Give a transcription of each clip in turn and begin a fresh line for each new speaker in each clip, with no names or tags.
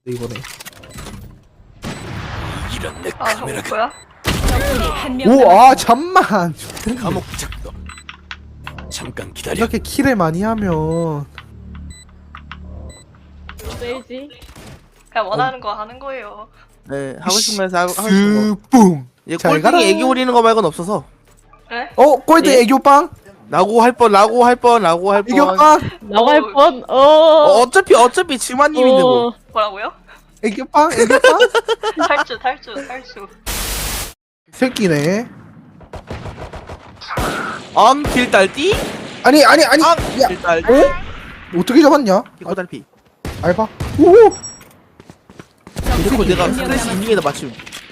이거네.
이런 내
아, 저거
카메라가
뭐야?
적군이 한명
오,
남았습니다.
아 잠만.
감옥 작동. 잠깐 기다려.
이렇게 킬을 많이 하면
왜지?
그냥 원하는 거 하는 거예요.
네, 하고 싶은 거 해서 하고 싶은 거.
뿡.
얘
잘 가라.
꼴등이 애교 부리는 거 말고는 없어서.
네?
꼴등
예?
애교빵?
라고 할 뻔.
애교빵?
나갈 뻔.
어차피 지마님인데 뭐.
뭐라고요?
애교빵?
탈주.
새끼네.
길딸띠?
아니. 야,
길딸띠?
어떻게 잡았냐?
길딸피.
알바. 오.
그리고 내가
한명
스트레스
남았습니다.
인딩에다 맞춤.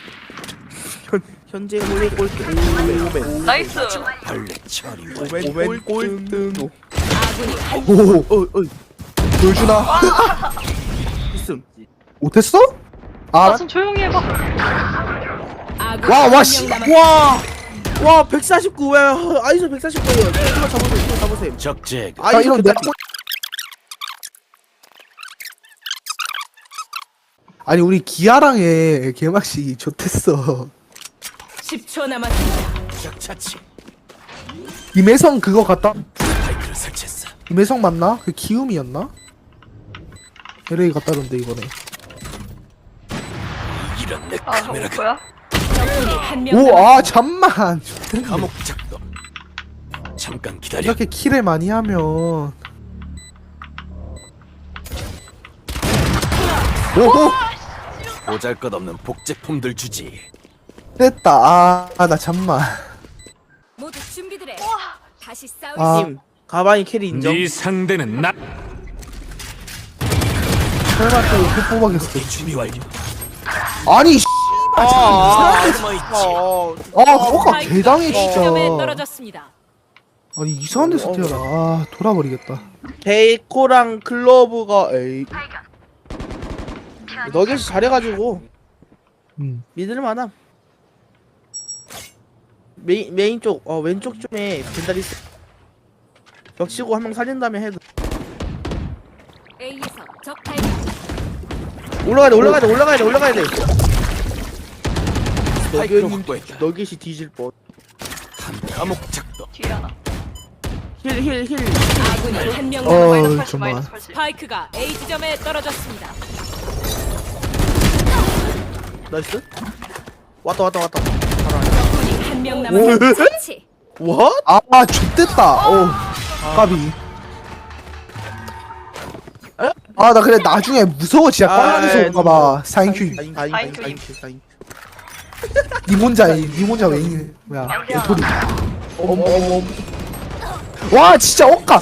현재 꼴등 오멘.
나이스.
벌레 처리.
오멘 꼴등.
아군이 한
오. 보여주나?
있음.
못했어?
아,
아,
좀 조용히 해봐.
아군이
와,
한명
씨.
남았습니다.
와 149. 왜 아이소 149예요. 이거 잡으세요.
적재.
아 이런 내가 아니 우리 기아랑의 개막식이 좋댔어.
10초 남았습니다.
적차치.
임혜성 그거 갔다.
스파이크를 설치했어.
임혜성 맞나? 그 키움이었나? LA 갔다던데 이번에.
이런 내
아, 저거
카메라가
뭐야?
적군이 한명
오,
남았습니다.
아 잠만.
감옥 작동. 잠깐 기다려.
이렇게 킬을 많이 하면 오호
보잘것없는 복제품들 주지.
됐다. 나 잠만.
모두 준비들 해. 다시 싸울
아.
수
님 가방이 캐리 인정.
네 상대는 나.
설마 또 뽑아겠어.
준비 완료.
아니
숨어 있지.
뭐가 개당해 진짜.
점에 떨어졌습니다.
아니 이상한 데서 태어나. 아 돌아버리겠다.
데이코랑 클로브가 에이. 너겟이 잘해가지고 믿을만함. 메인 쪽 왼쪽 쪽에 벤달 있어. 벽치고 한 명 살린 다음에 해도
A에서 적 발견.
올라가야 돼.
스파이크를 확보했다.
너겟이 뒤질 뻔.
감옥 작동.
뒤에 하나.
힐.
아군이 한명 남았습니다.
마이너스 80,
정말.
마이너스 80.
스파이크가 A 지점에 떨어졌습니다.
나이스. 왔다.
적군이 한명 남았습니다. 처치.
What?
아 X됐다. 오 까비. 나 그래 나중에 무서워 진짜 꽝하면서 올까봐. 사인큐.
사인큐.
니 혼자 왜 있니? 뭐야?
아니야.
도리. 와 진짜 억까.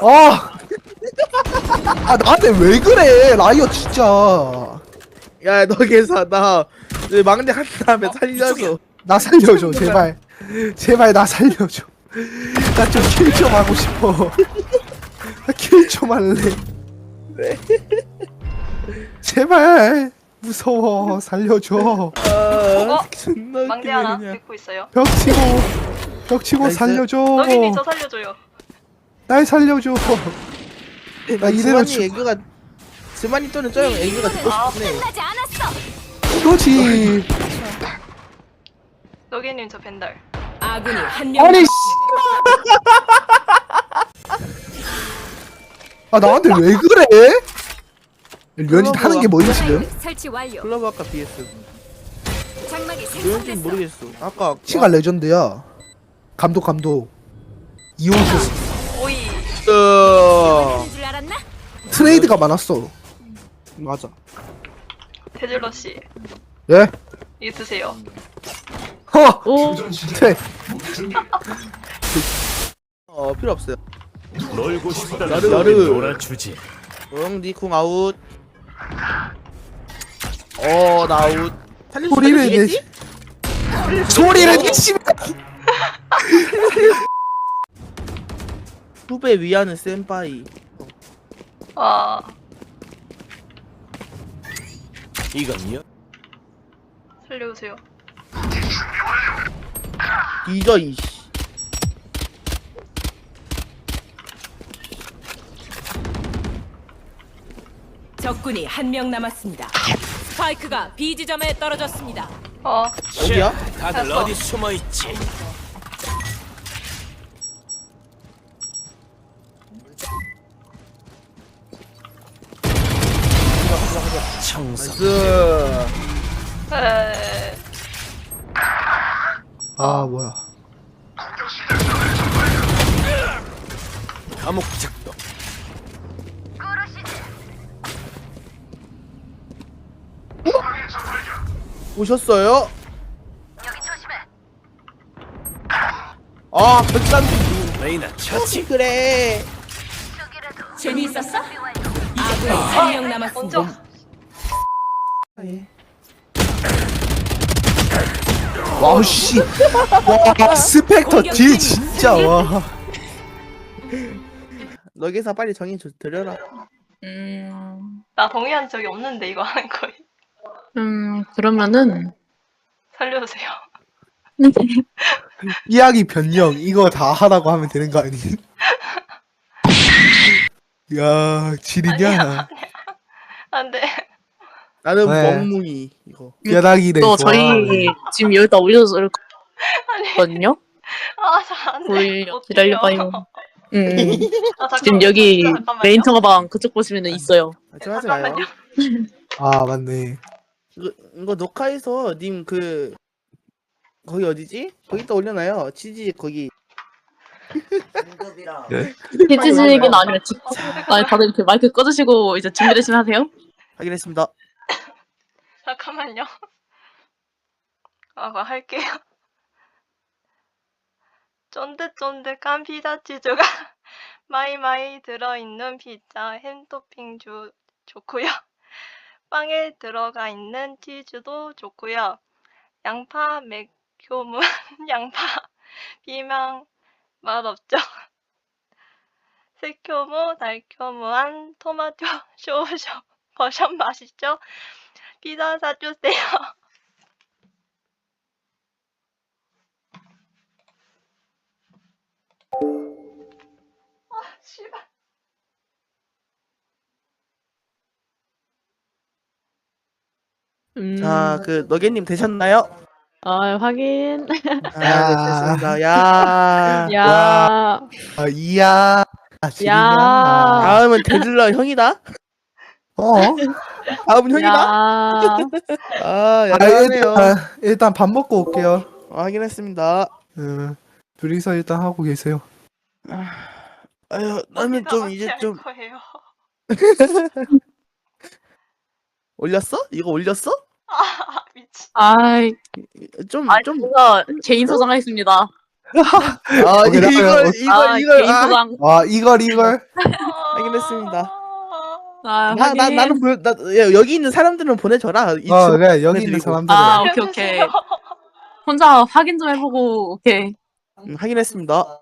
나한테 왜 그래 라이어 진짜.
야 너겟아 나 막내 한 다음에 살려줘.
나 살려줘 제발 나 살려줘. 나 좀 킬 좀 하고 싶어. 나 킬 좀 할래. 제발 무서워 살려줘.
존나
망대
웃기네,
하나
그냥.
믿고 있어요.
벽 치고
나이스.
살려줘.
너기님 저 살려줘요.
날 살려줘. 나 이대로
스마니 또는 저 형 애교가 듣고 싶네.
끝나지 않았어.
이거지.
너기님 저 벤달.
아군이 한명
아니
남았습니다.
나한테 왜 그래? 류현진 하는 게 뭐지 지금?
설치 완료.
클럽 아까 BS.
장막이
누군지
생성됐어.
모르겠어. 아까
치가 레전드야. 감독 이호수
오이.
하는 줄 알았나?
트레이드가 많았어.
맞아.
테질러 씨,
예?
이 드세요.
오.
트레.
필요 없어요.
놀고 싶다.
나르.
놀아주지.
니쿵 아웃. 나 아웃. 살릴 수
소리를
있겠지?
내지. 소리를 내지.
후배 위하는 센파이.
아,
이건요?
살려주세요.
뒤져 이씨.
적군이 한 명 남았습니다. 스파이크가 B 지점에 떨어졌습니다.
어디야?
다들
됐어.
어디 숨어 있지? 청소.
나이스.
에...
아 뭐야.
감옥 작동.
오셨어요? 아, 130.
레이나 처치.
그래.
재미있었어? 아군이 한 명 남았습니다.
먼저
와우 씨. 와 스펙터 딜 진짜 와.
너기서 빨리 정의 드려라.
나 동의한 적이 없는데 이거 하는 거예요.
그러면은
살려주세요.
이야기 변형 이거 다 하라고 하면 되는 거 아니? 야 지리냐?
안돼.
나는
네.
멍뭉이 이거.
뼈다귀를
또
좋아하네.
저희 지금 여기다 올려줬거든요.
안돼.
보이려 기다려봐요.
잠깐만.
지금 여기
잠깐만요.
메인 통화방 그쪽 보시면은 있어요.
좀 하지 마요.
잠깐만요.
아 맞네.
이거 녹화해서 님 그 거기 어디지? 거기다 올려놔요. 치즈 거기.
해지직은 아니라 아니 다들 이렇게 마이크 꺼주시고 이제 준비되시면 하세요.
확인했습니다.
잠깐만요. 그거 할게요. 쫀득쫀득한 피자 치즈가 마이마이 들어있는 피자 햄 토핑 좋고요. 빵에 들어가 있는 치즈도 좋고요. 양파 매콤한 양파 비망 맛없죠. 새콤고 달콤한 토마토 쇼쇼 버섯 맛있죠. 피자 사주세요. 아 씨발.
자, 그 너겟님 되셨나요?
확인.
아, 됐습니다. 야.
야.
아 이야. 아 지리냐?
야.
다음은 데들러 형이다.
어?
다음은 형이다.
야.
아,
아,
야하네요.
일단 밥 먹고 올게요.
확인했습니다.
둘이서 일단 하고 계세요.
아유, 나는
어디다
좀 이제
마취할
좀
거예요.
올렸어? 이거 올렸어?
아 미친.
아이.
좀
뭔가 개인 소장하겠습니다.
아,
오케이,
이걸
개인
아,
소장.
와 이걸
확인했습니다.
확인.
나는 야, 여기 있는 사람들은 보내줘라. 이 친구
그래 여기 있는
보내드리고.
사람들은
오케이. 혼자 확인 좀 해보고 오케이.
확인했습니다.